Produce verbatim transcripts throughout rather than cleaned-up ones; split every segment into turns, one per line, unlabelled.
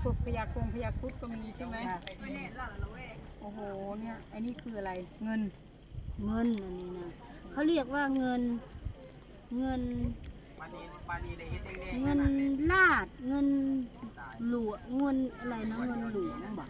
พวกพยากงพยาครุฑก็มีใช่ไหมโอ้โหเนี่ยไอ้นี่คืออะไรเงิน
เงินอันนี้นะเขาเรียกว่าเงินเงินเงินลาดเงินหลวงเงินอะไรนะเงินหลวงบอก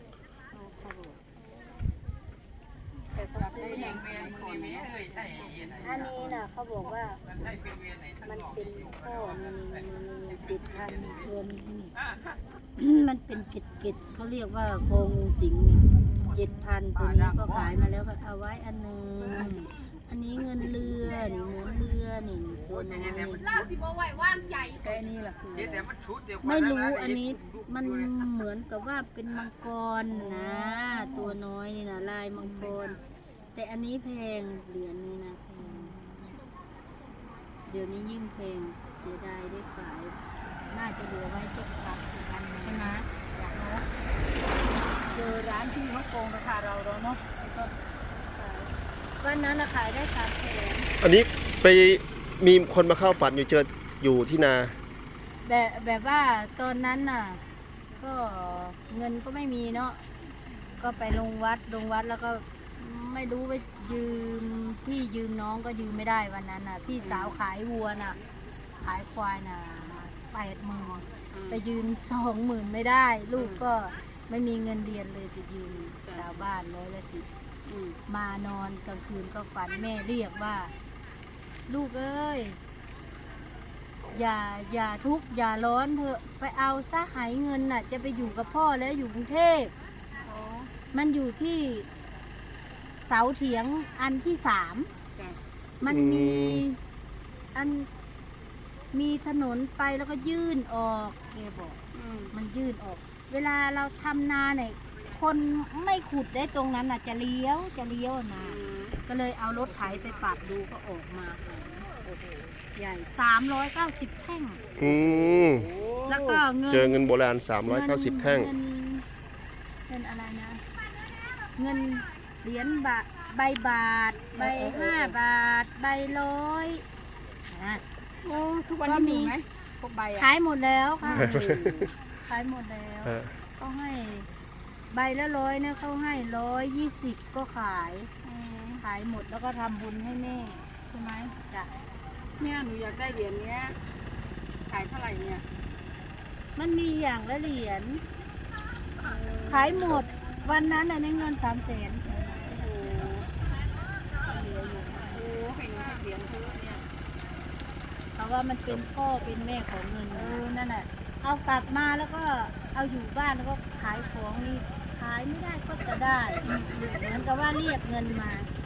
แต่เขาซื้ออย่างอันนี้นะเขาบอกว่ามันเป็นข้อมีมีติดพันเงินนี่มันเป็นเกล็ดเกล็ดเขาเรียกว่าโคงูสิงนี่เจ็ดพันตัวนี้ก็ขายมาแล้วก็เอาไว้อันหนึ่งอันนี้เงินเรือนี่เหมือนเรือนี่ตัวน้อยนี่
แต่อันนี่แหละคืออะไร
ไม่รู้อันนี้มันเหมือนกับว่าเป็นมังกรนะตัวน้อยนี่นะลายมังกรแต่อันนี้แพงเหรียญนี้นะแพงเดี๋ยวนี้ยิ่งแพงเสียดายได้ขายน่าจะเหลือไว้เจ็ดสามสิบอันใช่ไหม
อยากรู้เจอร้านที่เขาโกงราคาเราเราเนาะก็
วันนั้นขายได้สามแสน
อันนี้ไปมีคนมาเข้าฝันอยู่เจออยู่ที่นา
แบบแบบว่าตอนนั้นน่ะก็เงินก็ไม่มีเนาะก็ไปลงวัดลงวัดแล้วก็ไม่รู้ว่ายืมพี่ยืมน้องก็ยืมไม่ได้วันนั้นน่ะพี่สาวขายวัวน่ะขายควายน่ะแปดหมื่นไปยืมสองหมื่นไม่ได้ ลูกก็ไม่มีเงินเรียนเลยไปยืมชาวบ้านร้อยละสิบมานอนกลางคืนก็ฝันแม่เรียกว่า ลูกเอ้ยอย่าอย่าทุกข์อย่าร้อนเถอะไปเอาซะหายเงินน่ะจะไปอยู่กับพ่อแล้วอยู่กรุงเทพมันอยู่ที่เสาเถียงอันที่สามมันมีอันมีถนนไปแล้วก็ยื่นออกแกบอกมันยื่นออก เวลาเราทำนาเนี่ยคนไม่ขุดได้ตรงนั้นน่ะจะเลี้ยวจะเลี้ยวนาก็เลยเอารถไถไปปัดดูก็ออกมาโอ้โหใหญ่สามร้อยเก้าสิบแท่ง
อืม
แล้วก็เงิน
เจอเงินโบราณสามร้อยเก้าสิบแท่ง
เงินเงินอะไรนะ เงินเหรียญบาทใบบาท ใบห้าบาท ใบร้อยนะ
โอ้ทุกวันนี้มีไหมพวกใบอ่ะ
ขายหมดแล้วค่ะ ขายหมดแล้ว
ฮะ
ก็ให้ใบละร้อยเนี่ยเขาให้ร้อยยี่สิบก็ขาย ขายหมดแล้วก็ทำบุญให้แม่ใช่ไหมจ้ะ
เนี่ยหนูอยากได้เหรียญเนี้ยขายเท่าไหร่เนี่ย
มันมีอย่างละเหรียญขายหมดวันนั้นน่ะในเงินสามแสน
โอ้โห
เหลืออยู่
โอ้เห็นเหรียญเยอะเนี่ย
เพราะว่ามันเป็นพ่อเป็นแม่ของเงิน
เออนั่นแหละ
เอากลับมาแล้วก็เอาอยู่บ้านแล้วก็ขายของนี่ขายไม่ได้ก็จะได้เหมือนกับว่าเรียกเงินมา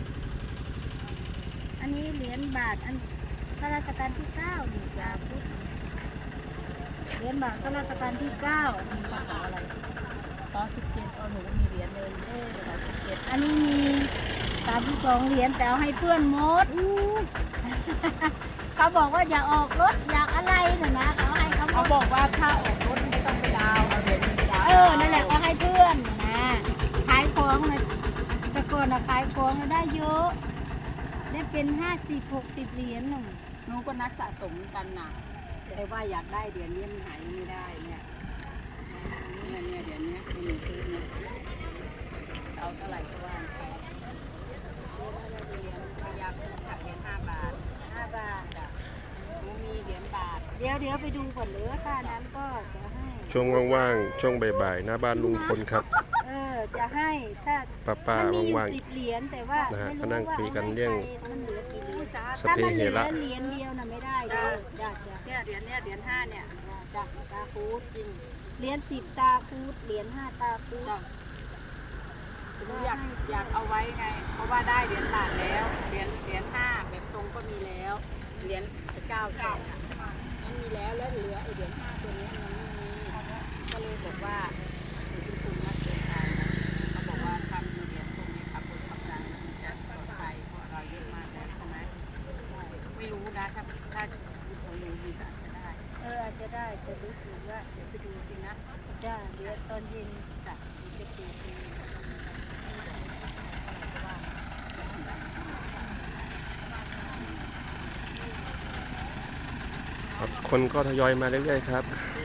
อันนี้เหรียญบาทอันข้าราชการที่เก้าหนึ่งสาธุเหรียญบาทข้าราชการที่เก้ามีภาษาอะไร
ซอสสิบเจ็ดเอาหนูก็มีเหรียญเลย
เออภาษาสิบเจ็ดอันนี้มีสามสิบสองเหรียญแต่เอาให้เพื่อนหมดอู้ เขาบอกว่าอย่าออกรถอยากอะไรน่ะนะเขาให้เขาหม
เขา
ด
บอกว่าถ้าออกรถไม่ต้องไปดาวน์เอาเหรียญไปดาวน์
เออ นั่นแหละก็ให้เพื่อนนะขายของนะแต่ก่อนนะขายของนะได้เยอะ ได้เป็นห้าสิบหกสิบเหรียญหนึ่ง
หนูก็นักสะสมกันนะแต่ว่าอยากได้เหรียญนี้มันหายไม่ได้เนี่ยเนี่ยเนี่ยเหรียญเนี้ยเป็นหนึ่งคืนเนี่ยเอาเท่าไหร่ก็ว่าไปเหรียญพยาคุณกับเหรียญห้าบาท
ห้าบาท
จ้ะหนูมีเหรียญบาท
เดี๋ยวเดี๋ยวไปดูก่อนเหลือค่านั้นก็จะให้
ช่วงว่างๆช่วงบ่ายๆหน้าบ้านลุงพลครับ
เออ จะให้ถ้า
ป้าป้า
มันมีอยู่
ว่าง
สิบเหรียญแต่ว่า
นะฮะ
ไม่
ก็นั่ง
ว่า
คุยกัน
อาให้
เรื่อง
ใคมันเหลือกี่เหรียญ
ๆส
ถ้า
พ
มันเห
เห
ลือ
ระ
เหรียญเดียวน่ะไม่ได้เด้อจ้ะจ้ะ
เนี่ยเหรียญเนี่ยเหรียญห้าเนี่ย
จ้ะตาคูด
จริง
เหรียญสิบตาคูดเหรียญห้าตาคูด
จ้ะหนูอยากอยากเอาไว้ไง เพราะว่าได้เหรียญบาทแล้วเหรียญเหรียญห้าแบบตรงก็มีแล้วเหรียญเก้าแสนมันมีแล้วแล้วเหลือไอเหรียญห้าตัวนี้มันไม่มีก็เลยบอกว่าหนูเป็นคนนักเดินทางนะเขาบอกว่าทำเหรียญตรงนี้ขับรถขับรามันจะปลอดภัยเพราะเราเยอะมากแล้วใช่ไหมไม่รู้นะถ้าถ้าของหนูมีก็อาจจะได้
เอออาจจะได้จะรู้สึกว่า
เดี๋ยวไปดูจริงนะ
จ้าเดี๋ยวตอนเย็น
จ้ะ
จะเปิดดู
คนก็ทยอยมาเรื่อยๆครับ
เอ